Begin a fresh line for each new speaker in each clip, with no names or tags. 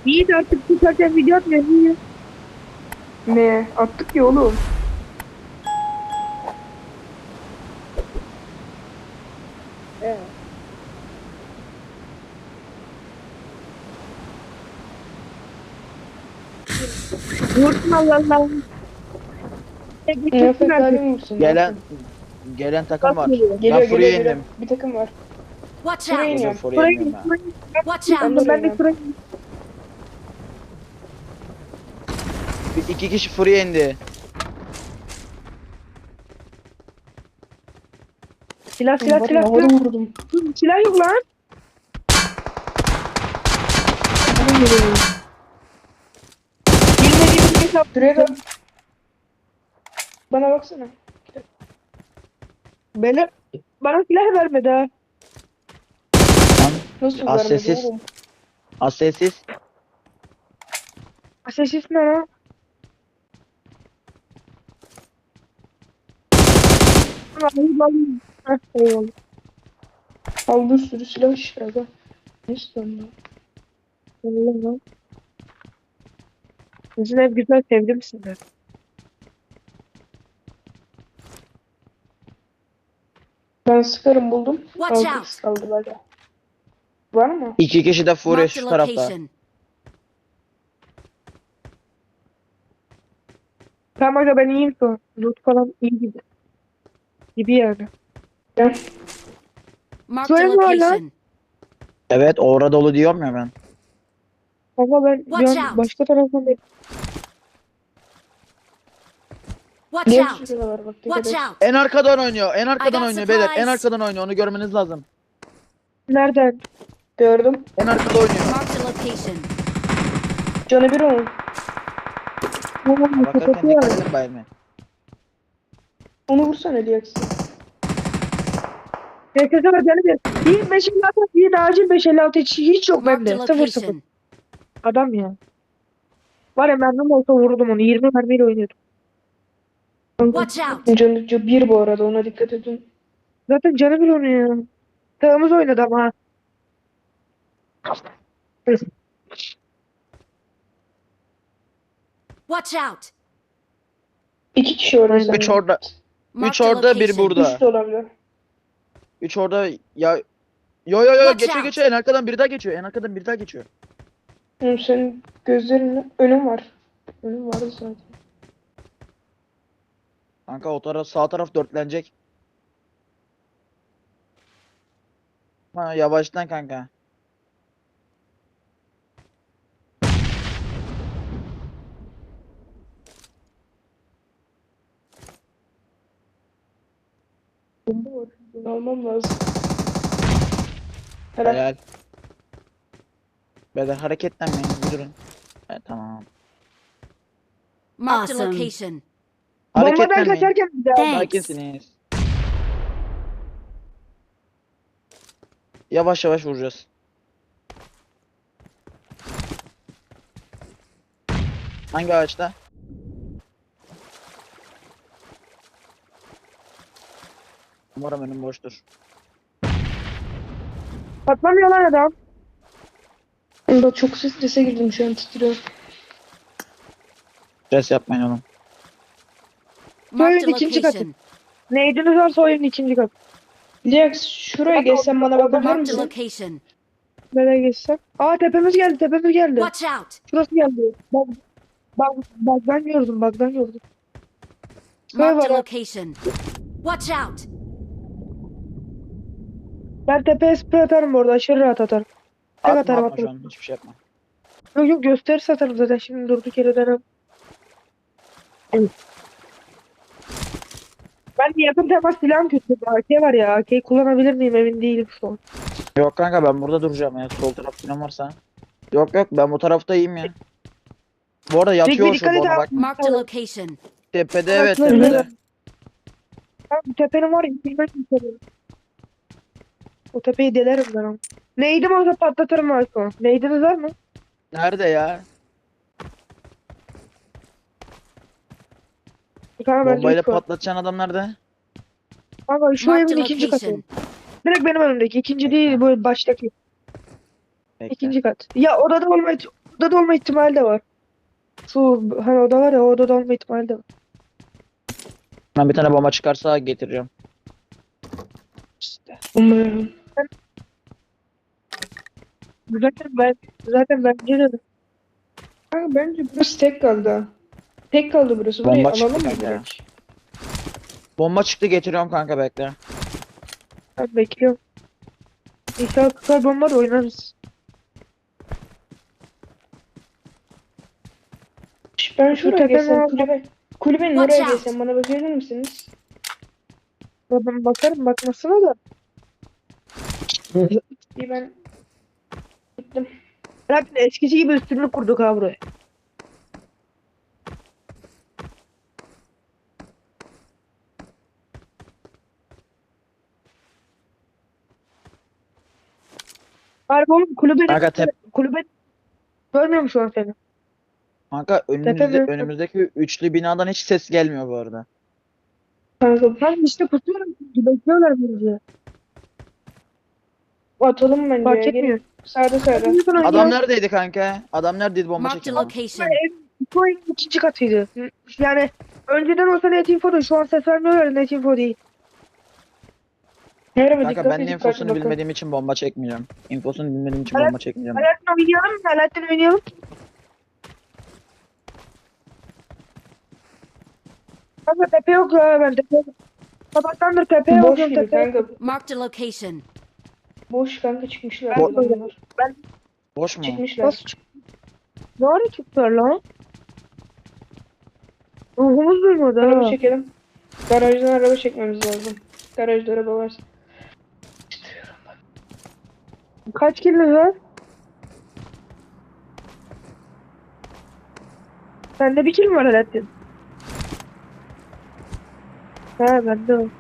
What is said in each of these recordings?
İyi de artık çıkarken video atmıyor. Niye?
Ne? Attık ya oğlum.
Vursun Allah Allah.
Nefret halim misin?
Gelen takım var.
Geliyor,
Ben
Geliyor
Fury'ye
geliyor.
indim.
Bir takım var.
Watch
Buraya
out!
Dur
iniyorum.
Fury'ye
Buraya
iniyorum
git.
ben.
Watch out!
Ben de
Ben de
buraya
buraya
İki kişi Fury'ye indi.
Silah silah
Var
silah.
ya, havada vurdum.
Silah yok lan. Bilmediğim bir hesap.
Şuraya da. Bana baksana.
Bana silah vermedi ha.
Lan
Nasıl
Az
vermedi
sessiz.
oğlum?
az sessiz.
Sessiz ne lan? Alayım. Heh, eyvallah.
Al bir sürü silah işte aga. Ne istiyorsun lan?
Eyvallah lan. Sizin ev güzel, sevdim sizi.
Ben sıkarım buldum.
Watch
6
out.
kız kaldı böyle. Var mı?
İki kişi de Fury
Marked
şu
a
tarafta.
location.
Tamam aga ben iyiyim şu an. Loot falan iyi gibi. Gibi yani.
Gel.
Marked a
Şöyle var lan.
location.
Evet orada dolu diyorum ya ben.
Ama ben
Watch
bir an
out.
başka taraftan bir
Watch
Diğer
out!
sürü de var bak.
Watch
Dikkat et.
out!
En arkadan oynuyor. En arkadan
got
oynuyor beyler. En
supplies.
arkadan oynuyor. Onu görmeniz lazım.
nereden?
Gördüm.
En arkada oynuyor.
Marked a location.
Canı bir onun.
Bakarken
Kapatı
dikkat
var.
edin bayılmayın.
Onu vursana Diyaksın.
PKK var canım bir. İyi 556 iyi de acil 556 hiç yok
Marked
bende.
a
0-0.
location.
Adam ya. Var ya mermim olsa vurdum onu. 20 mermiyle oynuyordum.
Watch out!
Canı bir bu arada, ona dikkat edin.
Zaten canı bir onu ya. Sağımız oynadı ama.
Watch out!
2 kişi orada sende.
Üç orada.
Marked a
orada, bir
location.
burada.
3 de olabilir.
3 orada ya. Yo
Watch
geçiyor
out.
geçiyor. En arkadan biri daha geçiyor. En arkadan biri daha geçiyor.
Oğlum senin gözlerin önün var. Önün vardı zaten.
Kanka o taraf sağ taraf dörtlenecek. Ha yavaştan kanka.
Bomba var. Bunu almam lazım. Helal.
Helal. Beyler hareketlenmeyin. Bir durun. Evet, tamam.
Marked a
Awesome.
location.
Bombadan
Hareketlenmeyin.
kaçarken bir daha.
Thanks.
Sakinsiniz. Yavaş yavaş vuracağız. Hangi ağaçta? Umarım önüm boştur.
Patlamıyor lan adam.
Bunda çok strese girdim, şu an titriyorum.
Stres yapmayın oğlum.
Marked a
ikinci katı.
location.
Neydiniz varsa oyunun ikinci katı.
Diaks şuraya geçsen bana bakabilir
Marked a
misin?
location.
Nereye geçsem? Aa tepemiz geldi tepemiz geldi.
Watch out!
Şurası geldi. Bug'dan gördüm bug'dan gördüm. Şuraya
Marked a
bak.
location. Watch out!
Ben tepeye sprey atarım orada aşırı rahat atarım. Tek
Atma
atarım
atma şu
atarım.
an. Hiçbir şey yapma.
Yok yok gösterisi atarım zaten şimdi durduk yere denem. Ben de yakın temas silahım kötü. AK var ya AK'yi kullanabilir miyim emin değilim şu an.
Yok kanka ben burada duracağım ya. Sol taraf falan varsa. Yok ben bu tarafta iyiyim ya. Bu arada yatıyor
Dikkat
şurada
et
ona
abi.
bak.
Marked a location.
Tepede evet
Evet,
tepede.
Abi tepenin var ya bilmem tepenin. O tepeyi delerim ben onu. Neydim olsa patlatırım ben şu an. Neydiniz var mı?
Nerede ya?
Kanka ben
Bombayla
şu an.
patlatacaksın adam nerede?
Kanka şu
Marked
evin
a
ikinci katı.
location.
Direkt benim önümdeki. İkinci değil bu baştaki.
Bekle.
İkinci kat. Ya odada olmayı odada olma ihtimali de var. Şu hani oda var ya, o odada olma ihtimali de var.
Ben bir tane bomba çıkarsa getireceğim.
İşte.
Umarım.
Zaten bence de.
Kanka bence burası tek kaldı ha. Tek kaldı burası. Burayı
Bomba çıktı
alalım mı
kanka.
direkt?
Bomba çıktı, getiriyorum kanka, bekle.
Ben bekliyorum. İnşallah tutar bomba da oynarız.
Ben
Şu
şuraya
tepeme
geçsem
al.
kulübenin
Watch
oraya
out.
geçsem bana bakabilir misiniz?
Ben bakarım bakmasına da.
İyi ben gittim.
Zaten eskisi gibi üstünlük kurduk ha buraya. Harbi oğlum
Kanka
kulübe görmüyorum şu an seni.
kanka
Tepeme-
önümüzdeki üçlü binadan hiç ses gelmiyor bu arada.
Kanka
Ben işte pusuyorum. Bekliyorlar bizi.
atalım bence
Fark
ya.
etmiyor.
Gelin. Sağda.
Adam neredeydi kanka? Adam neredeydi bomba
Marked a
çeken?
location.
Bu oyunun ikinci katıydı. Yani önceden olsa Net Info'da, şu an ses vermiyorlar, Net Info değil.
Merhaba
Kanka
dikkat
ben de
edin,
infosunu
bakın.
bilmediğim için bomba çekmeyeceğim. İnfosunu bilmediğim için
Evet.
bomba çekmeyeceğim.
Alaaddin oynayalım mı? Alaaddin oynayalım. Kanka tepe yok ya, ben tepe yok. Sabahtandır tepe yok.
Boş gibi
tepe yok.
kanka.
Marked a location.
Boş kanka çıkmışlar.
Ben-
adamlar.
Boş mu?
Çıkmışlar.
Nasıl çıktı? Ne ara çıktılar lan? Ruhumuz duymadı
Araba
ha.
çekelim. Garajdan araba çekmemiz lazım. Garajda araba var.
Kaç kilo var? Sende bir kilo mu var Alaaddin? Ha bende o.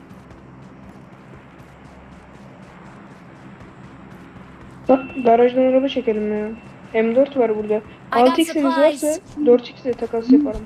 Bak garajdan araba çekelim ya. M4 var burada.
I got
6x'iniz varsa
supplies.
4x ile takas yaparım.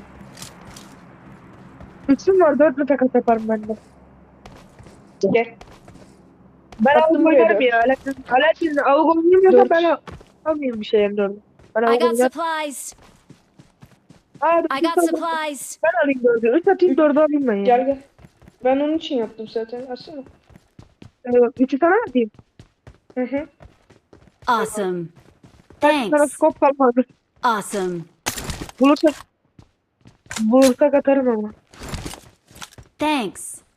Üçüm var, 4'lü takas yaparım ben de.
Gel.
Ben
Attım
avuk
buraya
oynarım
dört.
ya. Alaaddin avuk oynayamıyorsa
Dört.
ben almayayım bir şey M4'ü. Ben
I
avuk
got
oynarım.
supplies.
Aa,
I got supplies.
ben alayım 4'ü. 3 atayım 4'ü alayım ben ya.
Gel. Ben onun için yaptım zaten. Aslında.
3'ü sana mı atayım?
Hı hı.
Awesome.
Sana
Thanks.
skop kalmadı.
Awesome.
Bulursak atarım ama.
Thanks.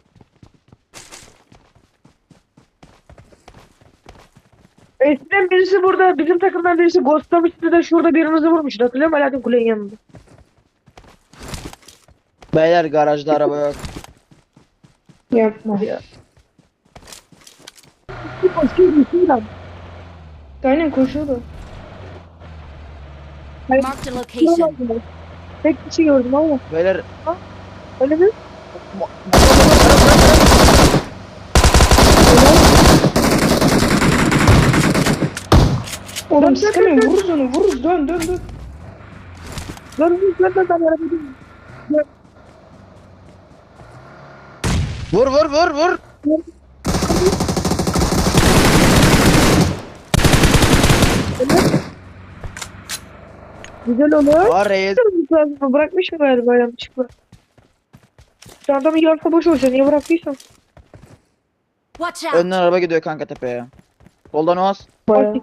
Eskiden birisi burada, bizim takımdan birisi ghostlamıştı da şurada birimizi vurmuştu. Hatırlıyor musun? Alaaddin kulenin yanında.
Beyler garajda araba yok.
Yapma.
Bir koşuyor, bir lan.
Aynen koşuyordu.
Marked a location.
Tek kişi gördüm ama.
Beyler
Öyle mi?
Oğlum
Dön,
sıkamıyorum.
dön, dön.
Vururuz onu. Vururuz. Dön.
Ben arabayı.
vur.
Güzel olur.
Aa reis.
Bırakmış mı galiba yanlışlıkla? Şu adamı yarsa boş olsa niye bıraktıysan?
Watch out.
Önden araba gidiyor kanka tepeye. Soldan Oğaz.
Bayağı.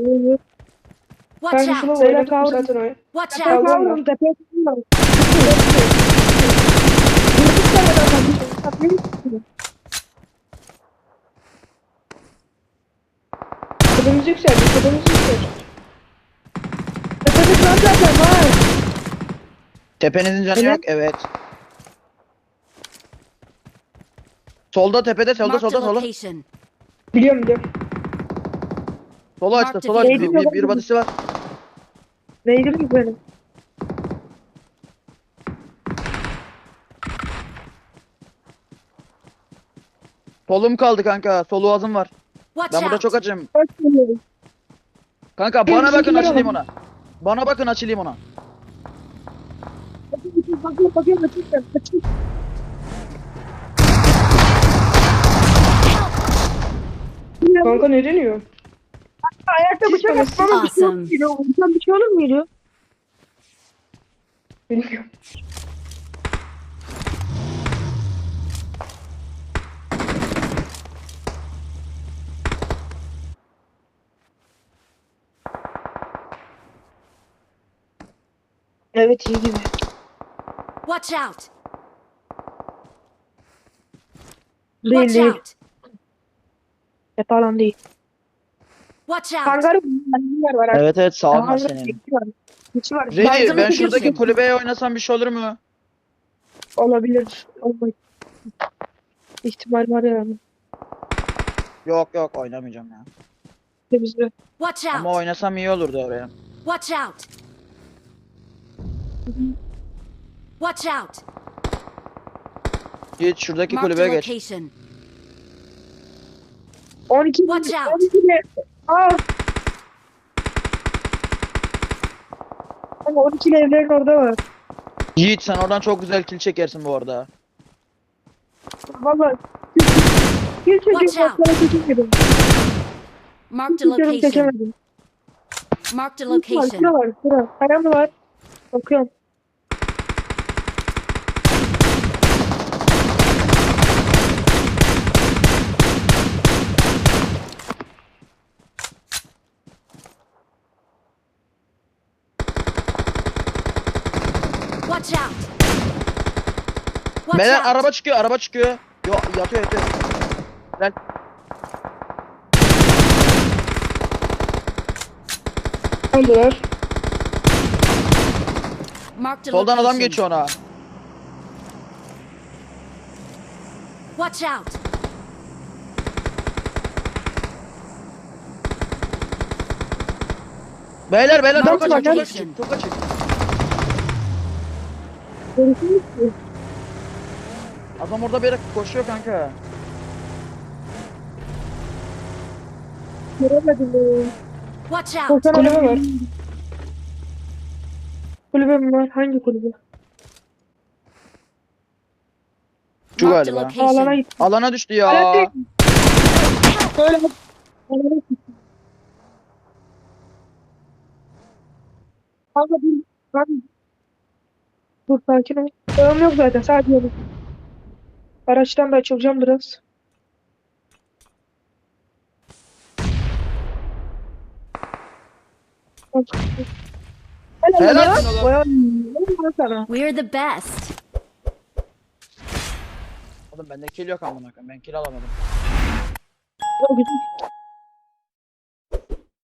Watch
Ben şunu
out.
oynadım
kavrum.
zaten oyun.
Watch
Tepeye
out.
Kavrum.
kavrum, tepeye kavrum.
Kadımız yükseldi.
Tepede şu an zaten var.
Tepenizin canı
Evet.
yok. Evet. Solda tepede
Marked a
solda.
location.
Biliyorum.
Solu açtı.
Marked
Solu açtı.
vehicle.
Bir badisi var.
Neydi mi benim?
Solum kaldı kanka. Sol Oğaz'ım var.
Watch
Ben burada
out.
çok açım.
Kaç geliyorum?
Kanka
Gel,
bana bakın
bizimkiler
açılayım
alalım.
ona. Bana bakın açılayım ona.
Bakıyorum.
Kanka ne deniyor?
Ayakta
Siz
bıçak
bana-
atmama bir şey olur
Awesome.
muydu? Vuracağım bir şey olur muydu?
Bilmiyorum.
Evet iyi gibi.
Watch out!
Değil
Watch
değil.
out!
Yapalan değil.
Watch out!
Hangar var.
Evet evet sağ olma
Hangar
senin.
geçi var. Geçi var.
Redi ben
Malzeme
şuradaki
tutuyorsun.
kulübeye oynasam bir şey olur mu?
Olabilir. Olmayı. İhtimal var yani.
Yok yok oynamayacağım ya.
Bizde.
Watch
Ama
out!
oynasam iyi olurdu oraya.
Watch out! Watch out!
Git şuradaki
Marked a
kulübeye geç.
location.
12
Watch out.
12'de. Aa. Ama 12'li evlerin orada var.
Yiğit sen oradan çok güzel kill çekersin bu arada.
Valla. Bir
Watch
çekim
out.
baklara çekemedim.
Marked a
Çekiyorum
location.
çekemedim.
Marked a
Var,
location.
şura var. Şura. Kaya mı var? Bakıyorum.
Watch out! Watch
Beyler
out!
araba çıkıyor araba çıkıyor. Yo yatıyor yatıyor. Gel.
Aldılar.
Marked a
Soldan adam
location.
geçiyor ona.
Watch out!
Beyler
Tamam,
çok açık çok
tamam.
açık çok açık.
Görüşürüz ki.
Adam orada bir yere koşuyor kanka.
Göremedim.
Watch out!
Koşan
Kulübe
adam-
var.
Kulübe mi var? Hangi kulübe?
Şu
Marked a
galiba.
Alana
location.
git.
Alana düştü ya.
Alana değil. Böyle. Alana git. Kanka dur. Dur sakin ol. Sağım yok zaten. Sadece yolu. Araçtan da açılacağım biraz.
Helal
Helal
olsun oğlum.
lan sana.
We're the best.
Oğlum bende kill yok amına koyayım. Ben kill alamadım.
O güzel.